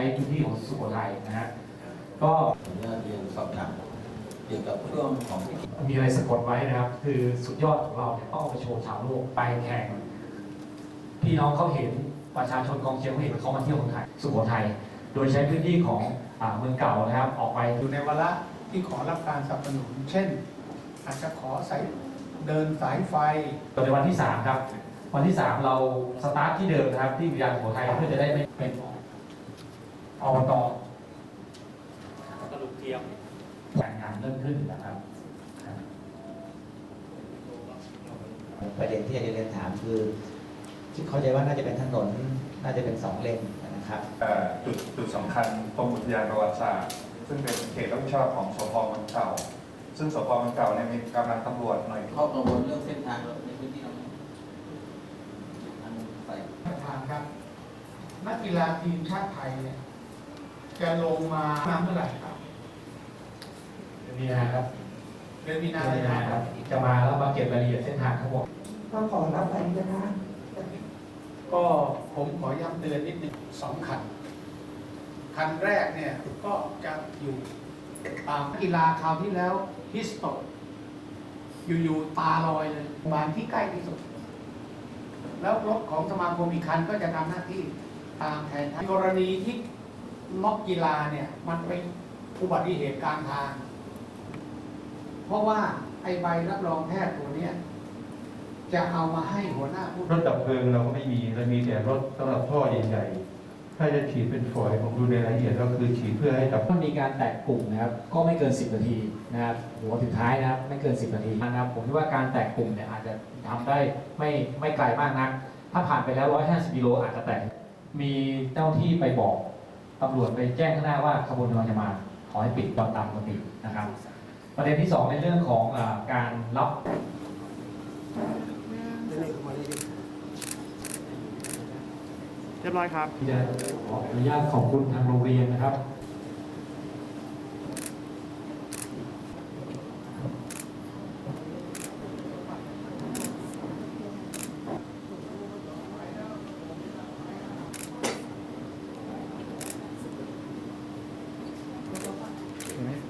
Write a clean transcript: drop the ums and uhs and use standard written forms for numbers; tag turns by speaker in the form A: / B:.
A: พื้นที่ของสุโขทัยนะฮะก็
B: ผมจะเรียนสอบถามเกี่ยวกับช่วงของ
A: มีอะไรสะกดไว้นะครับคือสุดยอดของเราเนี่ยต้องเอาไปโชว์ชาวโลกไปแข่งพี่น้องเขาเห็นประชาชนกองเชียร์เขาเห็นเขามาเที่ยวเมืองไทยสุโขทัยโดยใช้พื้นที่ของเมืองเก่านะครับออกไป
C: อยู่ในวาระที่ขอรับการสนับสนุนเช่น อาจจะขอเดินสายไฟ
A: ในวันที่3ครับวันที่3เราสตาร์ทที่เดิมนะครับที่วิทยาสุโขทัยเพื่อจะได้ไม่เป็นอบต.กระดูกเทียมงานเริ่มขึ้นนะครับ
D: ประเด็นที่จะเรียนถามคือเข้าใจว่าน่าจะเป็นถนนน่าจะเป็น2 เลนนะครับ
E: จุดสำคัญตรงอุทยานประวัติศาสตร์ซึ่งเป็นเขตรับผิดชอบของสพ.เมืองเก่าซึ่งสพ.เมืองเก่าเนี่ยมีกำลังตำรวจหน่อย
B: ข้อกังวลเรื่องเส้นทางในพื้นที่เราทางไป
C: ประธานครับนักกีฬาทีมชาติไทยเนี่ยจะลงมาเมื่อไหร่ครับ
A: เดือนมีนาครับ
C: เดือนมีนา
A: ครับจะมาแล้วมาเก็บรายละเอียดเส้นทางทั้งหมด
F: ก็ขอรับไปนะคะ
C: ก็ผมขอย้ำเตือนนิดนึง2 คันคันแรกเนี่ยก็จะอยู่ตามกีฬาคราวที่แล้วฮิสโตอยู่ตาลอยเลยบานที่ใกล้ที่สุดแล้วรถของสมาคมอีกคันก็จะทำหน้าที่ตามแทนกรณีที่น็อกกีฬาเนี่ยมันเป็นอุบัติเหตุกลางทางเพราะว่าไอใบรับรองแพทย์ตัวเนี้ยจะเอามาให้หัวหน้าผู้
G: รถดับเพลิงเราก็ไม่มีเรามีแต่รถสำหรับท่อใหญ่ๆถ้าจะฉีดเป็นฝอยผมดูในรายละเอียดก็คือฉีดเพื่อให้กับ
A: ถ้ามีการแตกกลุ่มนะครับก็ไม่เกิน10 นาทีนะครับหัวสุดท้ายนะครับไม่เกิน10 นาทีนะครับผมคิดว่าการแตกกลุ่มเนี่ยอาจจะทำได้ไม่ไกลมากนักถ้าผ่านไปแล้ว150 กิโลอาจจะแตกมีเจ้าที่ไปบอกตำรวจไปแจ้งข้างหน้าว่าขบวนกำลังจะมาขอให้ปิดตอนตามปกตินะครับประเด็นที่2ในเรื่องของการรับ
H: เรียบร้อยครับ
A: จะขออนุญาตขอบคุณทางโรงเรียนนะครับ